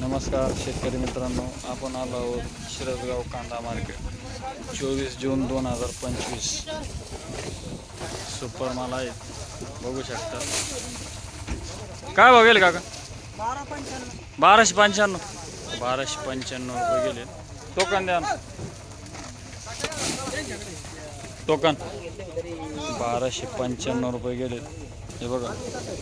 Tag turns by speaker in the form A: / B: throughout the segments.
A: नमस्कार शेतकरी मित्रांनो, आपण आलो आहोत शिरसगाव कांदा मार्केट 24 जून 2025. सुपर माल आहे, बघू शकता. काय भाव गेले काका? 1295 रुपये गेले. टोकन द्या ना. टोकन 1295 रुपये गेले. हे बघा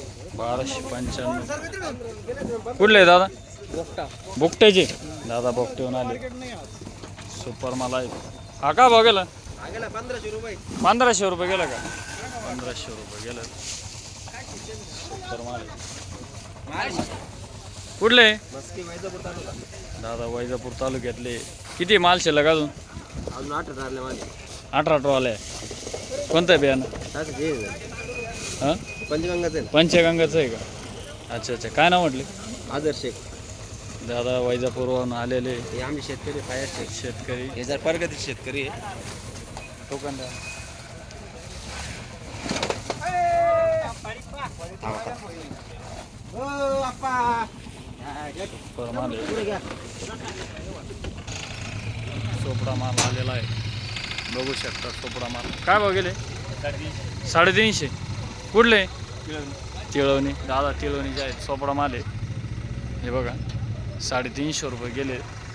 A: 1295. कुठले दादा? बुकट्याचे दादा बोकटेहून आले. सुपर माल आहे. हा का भाव गेला? 1500 रुपये गेला का? 1500 रुपये गेलं. सुपर माल कुठले? दादा वैजापूर तालुक्यातले. किती माल शिल्लक अजून? 18 आले. कोणतं आहे बियाणं? हां पंचगंगाचं आहे का? अच्छा अच्छा. काय नाव म्हटले?
B: आदर शेख.
A: दादा वैजापूरवरून आलेले.
B: हे आमचे शेतकरी फायर
A: शेतकरी
B: हे जर प्रगती शेतकरी आहे.
A: टोकन द्या. सुपर माल आहे. सोपडा माल आलेला आहे, बघू शकता. सोपडा माल काय भाव गेले? 350. कुठले? तिळवणी. दादा तिळवणीचे आहेत. सोपडा माल आहे. हे बघा 350 रुपये गेले.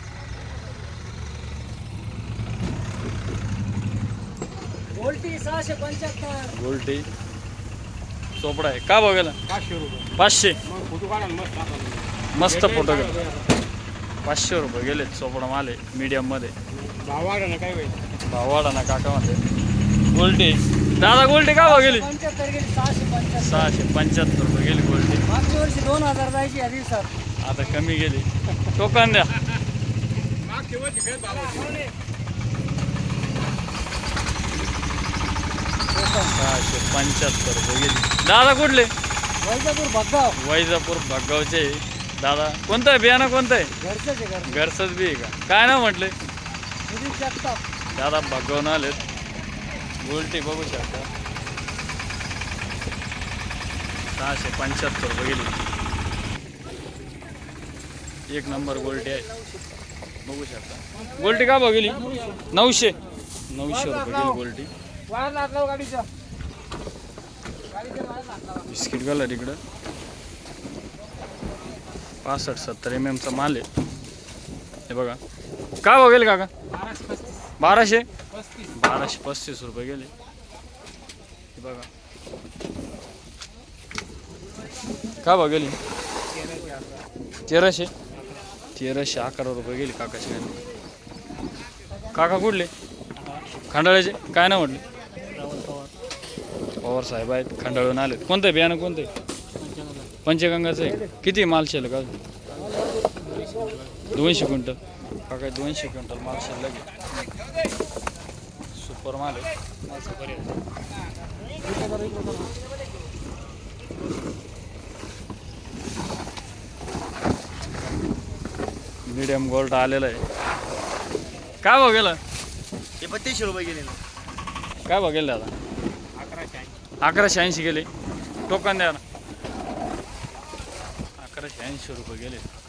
A: गोल्टी सोपडा आहे. का भाव गेला? 500. मस्त फोटो गेला. 500 रुपये गेले. सोपडा माल आहे, मीडियम मध्ये. भाव वाढा ना काका मध्ये. गोल्टी दादा गोल्टी का भाव गेली? 675 रुपये गेली गोल्टी.
B: 2000 जायची आधी सर,
A: आता कमी गेली. टोकन द्या. 675 रुपये गेली. दादा कुठले? वैजापूर भगगावचे. दादा कोणतं आहे बियाणं? कोणतं आहे? घरचंच बी आहे का? काय नाव म्हटले? दादा भगगावून आलेत. गोल्टी बघू शकता. 675 रुपये गेली. एक नंबर गोल्टी आहे, बघू शकता. गोल्टी का भाव गेली? 900 रुपये गेली गोल्टी. बिस्किट कलर इकडं 65-70 mm चा माल आहे. हे बघा काय भाव गेले काका? 1235 रुपये गेले. हे बघा काय भाव गेली? 1311 रुपये गेली काकाची. काका कुठले? खंडाळ्याचे. काय नाव म्हटले? पवार साहेब आहेत, खंडाळून आलेत. कोणतं बियाणं? कोणतं? पंचगंगाचं आहे. किती माल शिल्लक? 200 क्विंटल. काका 200 क्विंटल माल शिल्लक आहे. सुपर माल आहे. मीडियम गोल्ड आलेला आहे. काय भाव गेला?
B: 3200 रुपये गेले.
A: काय भाव गेले दादा? 1180 गेले. टोकन द्या ना. 1180 रुपये गेले.